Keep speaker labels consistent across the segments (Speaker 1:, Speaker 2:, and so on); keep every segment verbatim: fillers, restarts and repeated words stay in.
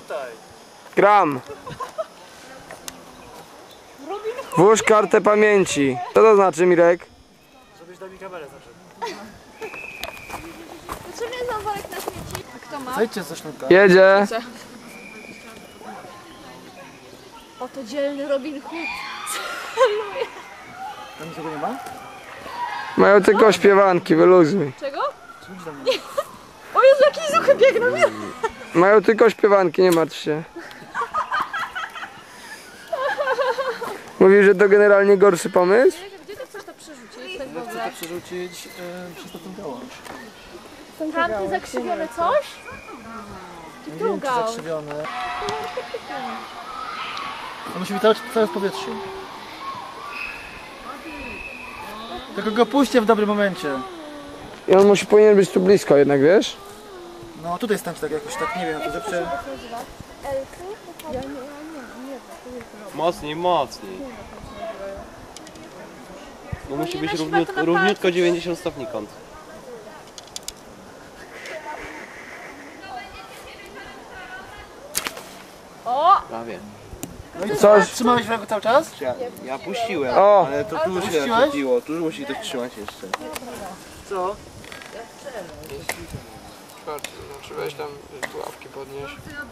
Speaker 1: tutaj.
Speaker 2: Gram. Włóż kartę pamięci. Co to znaczy, Mirek?
Speaker 1: Żebyś dał mi kamerę zawsze.
Speaker 3: Potrzebny jest nam worek na śmieci. A kto ma?
Speaker 1: Zejdźcie ze sznurka.
Speaker 2: Jedzie.
Speaker 3: Oto dzielny Robin Hood.
Speaker 1: Tam nikogo nie ma?
Speaker 2: Mają tylko śpiewanki, wyluzuj.
Speaker 3: Czego?
Speaker 1: Idź do mnie.
Speaker 3: Nie. O Jezu, jakieś zuchy biegną, nie?
Speaker 2: Mają tylko śpiewanki, nie martw się. Mówisz, że to generalnie gorszy pomysł?
Speaker 3: Gdzie ty chcesz to przerzucić? Tak w
Speaker 1: Ja chcę
Speaker 3: ogóle?
Speaker 1: to przerzucić yy, przez tą gałąź.
Speaker 3: Tamty zakrzywiony coś? Czy
Speaker 1: Nie
Speaker 3: tu
Speaker 1: wiem, czy
Speaker 3: gałąź?
Speaker 1: zakrzywione. To musi być cały, cały w powietrzu. Tylko go puśćcie w dobrym momencie.
Speaker 2: I on musi, powinien być tu blisko jednak, wiesz?
Speaker 1: No tutaj stańcie tak jakoś, tak nie wiem, to zawsze...
Speaker 4: Mocniej, mocniej. Bo musi być
Speaker 3: Powinieneś
Speaker 4: równiutko,
Speaker 3: chyba to na
Speaker 4: równiutko
Speaker 3: palcu.
Speaker 4: dziewięćdziesiąt stopni kąt.
Speaker 3: O!
Speaker 4: Prawie.
Speaker 1: No i
Speaker 2: Coś.
Speaker 1: Trzymałeś w ręku cały czas?
Speaker 4: Ja, ja puściłem,
Speaker 2: O!
Speaker 4: ale to tu się
Speaker 1: Puściłeś?
Speaker 4: nachodziło, tu musi ktoś trzymać jeszcze.
Speaker 1: Co?
Speaker 2: Patrz, znaczy weź tam pułapki podnieś.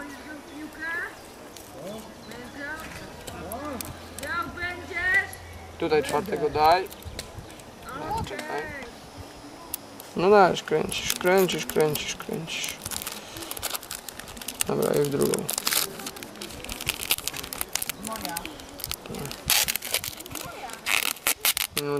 Speaker 2: Tutaj czwartego daj. No, czekaj. No dajesz, kręcisz, kręcisz, kręcisz, kręcisz. Dobra, i w drugą. No.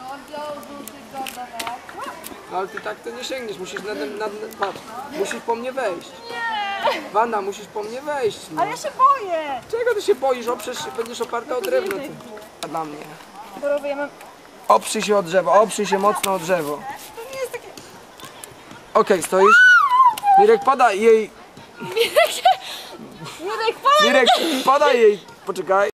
Speaker 2: No ale ty tak to nie sięgniesz, musisz nad, nad, nad, patrz, musisz po mnie wejść. Wanda, musisz po mnie wejść. No.
Speaker 5: Ale ja się boję!
Speaker 2: Czego ty się boisz? Oprzesz się, będziesz oparta o drewno. Ty. A dla mnie.
Speaker 5: Borowy, ja mam...
Speaker 2: Oprzyj się o drzewo, oprzyj się mocno o drzewo.
Speaker 5: To nie jest takie...
Speaker 2: Okej, stoisz? Mirek, podaj jej.
Speaker 3: Jurek,
Speaker 2: Mirek, podaj jej. Poczekaj.